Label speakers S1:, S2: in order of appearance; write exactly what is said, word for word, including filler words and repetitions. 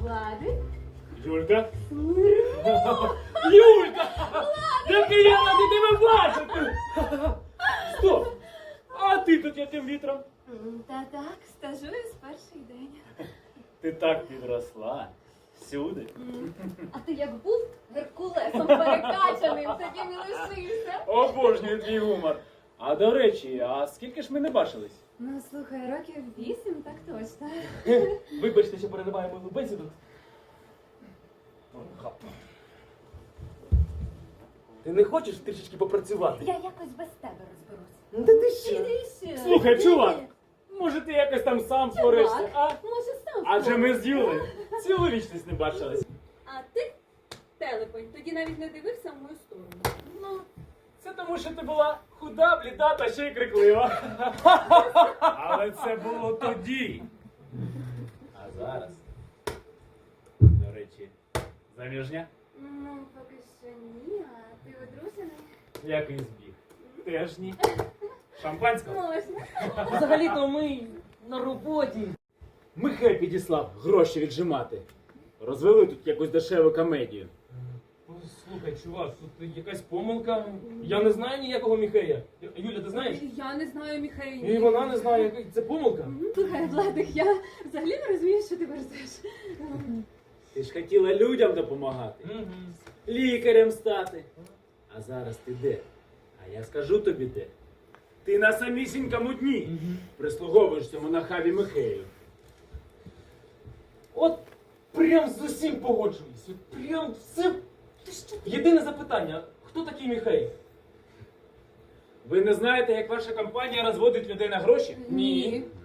S1: Владик.
S2: Юлька? Юлька! Який я радий тебе бачити! Стоп! А ти тут яким вітром?
S1: Та так, стажуюсь перший день.
S2: Ти так підросла. Всюди.
S1: А ти як був Геркулесом перекачаним, таким і лишився.
S2: Обожнюю твій гумор. А до речі, а скільки ж ми не бачились?
S1: Ну, слухай, років вісім, так точно.
S2: Вибачте, що перериваємо мою бесіду.
S3: Ти не хочеш трішечки попрацювати?
S1: Я якось без тебе розберусь.
S3: Ну, Та ти що?
S1: Іди ще.
S2: Слухай, чувак, може ти якось там сам впораєшся, а?
S1: Може, сам
S2: Адже ми з
S1: спробуй.
S2: Юлею цілу вічність не бачились.
S4: А ти, телепень, тоді навіть не дивився в мою сторону.
S2: Ну, це тому, що ти була худа, бліда та ще й криклива. Але це було тоді. А зараз, до речі, заміжня?
S1: Ну, поки що ні, а ти одружений?
S2: Який збіг? Теж ні. Шампанського?
S1: Можна.
S3: Взагалі-то ми на роботі.
S2: Михай підіслав гроші віджимати. Розвели тут якусь дешеву комедію.
S3: Слухай, чувак, тут якась помилка. Я не знаю ніякого Міхея. Юля, ти знаєш?
S4: Я не знаю Міхея.
S3: І вона не знає, яка це помилка.
S1: Слухай, Владик, я взагалі не розумію, що ти верзеш.
S2: Ти ж хотіла людям допомагати, лікарем стати. А зараз ти де? А я скажу тобі де. Ти на самісінькому дні прислуговуєш цьому нахабі Михею.
S3: От прям з усім погоджуюсь. От прям все. Єдине запитання, хто такий Міхей?
S2: Ви не знаєте, як ваша компанія розводить людей на гроші?
S3: Ні.